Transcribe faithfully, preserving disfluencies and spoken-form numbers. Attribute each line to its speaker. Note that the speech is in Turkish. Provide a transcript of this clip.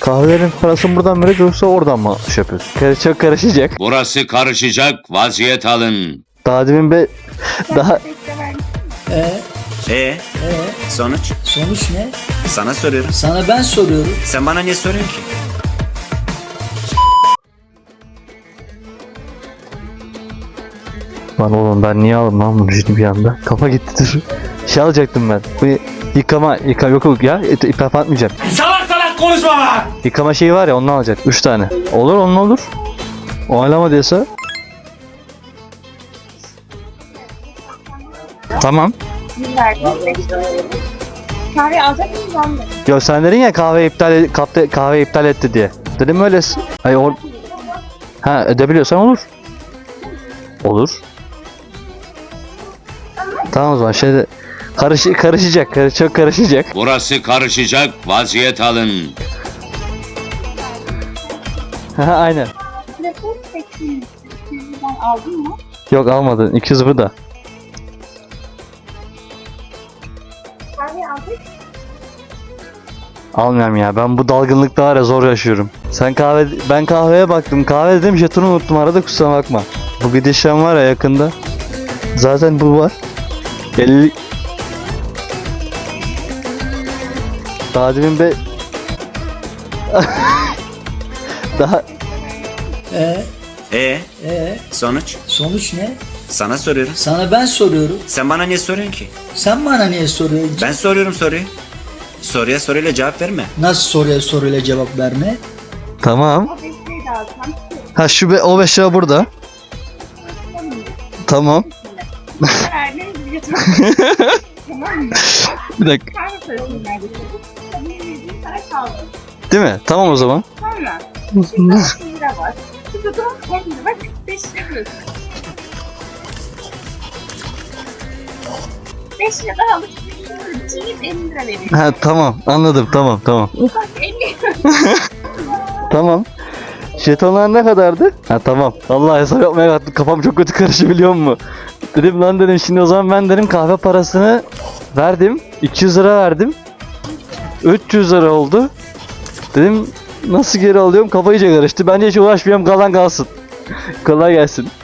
Speaker 1: Kahvelerin parasını buradan mı yoksa oradan mı şey yapıyorsun? Kar- Çok karışacak.
Speaker 2: Burası karışacak, vaziyet alın.
Speaker 1: Daha demin be... Daha...
Speaker 3: Ee,
Speaker 4: Ee,
Speaker 3: ee,
Speaker 4: sonuç?
Speaker 3: sonuç ne?
Speaker 4: Sana soruyorum.
Speaker 3: Sana ben soruyorum.
Speaker 4: Sen bana niye soruyorsun ki?
Speaker 1: Lan oğlum ben niye aldım lan bunu şimdi bir anda? Kafa gitti dur. Şey alacaktım ben. Bu yıkama, yıkama yok yok ya. İpaf atmayacağım.
Speaker 5: Salak salak konuşma lan!
Speaker 1: Yıkama şeyi var ya ondan alacak. Üç tane. Olur onun olur. O alama diyorsa. Tamam.
Speaker 6: Kahve alacak mıyız anne?
Speaker 1: Yo sen dedin ya kahve iptal kapta kahve iptal etti diye. Dedim öylesin. Hayır or Ha edebiliyorsan olur. Olur. Tamam o zaman şeyde karış karışacak. Karış çok karışacak.
Speaker 2: Burası karışacak, vaziyet alın.
Speaker 1: Ha aynen.
Speaker 6: Telefon seçtiğini ben aldım mı?
Speaker 1: Yok almadın. iki yüz burada.
Speaker 6: Kahve aldık.
Speaker 1: Almıyorum ya. Ben bu dalgınlıkta var ya zor yaşıyorum. Sen kahve ben kahveye baktım. Kahve dedim jetonu unuttum arada kusura bakma. Bu gidişen var ya yakında. Zaten bu var. elli Daha demin be Daha
Speaker 3: Ee,
Speaker 4: Ee,
Speaker 3: ee,
Speaker 4: sonuç?
Speaker 3: sonuç ne?
Speaker 4: Sana soruyorum.
Speaker 3: Sana ben soruyorum.
Speaker 4: Sen bana niye soruyorsun ki?
Speaker 3: Sen bana niye soruyorsun?
Speaker 4: Ben soruyorum soruyu. Soruya soruyla cevap verme.
Speaker 3: Nasıl soruya soruyla cevap verme?
Speaker 1: tamam.
Speaker 6: O beşleri de alsam.
Speaker 1: Ha şu be, o beş lira burada. Tamam.
Speaker 6: Verdiğiniz bir götürüm. Tamam mı?
Speaker 1: Bir dakika.
Speaker 6: Kahve parasını verdik. Tabii verdiğim para kaldı.
Speaker 1: Değil mi? Tamam o zaman.
Speaker 6: Sonra. Şimdi otuz lira var. Şimdi de on lira var. kırk beş lira diyorsun. beş lira daha alıp çiğneyip elli lira veriyor.
Speaker 1: Ha tamam anladım tamam tamam.
Speaker 6: Bak elli.
Speaker 1: Tamam. Jetonlar ne kadardı? Ha tamam. Allah hesap yapmaya kalktım. Kafam çok kötü karıştı biliyor musun? Dedim lan dedim şimdi o zaman ben dedim kahve parasını verdim. iki yüz lira verdim. üç yüz lira oldu. Dedim nasıl geri alıyorum kafa iyice karıştı. Bence hiç uğraşmayayım kalan kalsın. Kolay gelsin.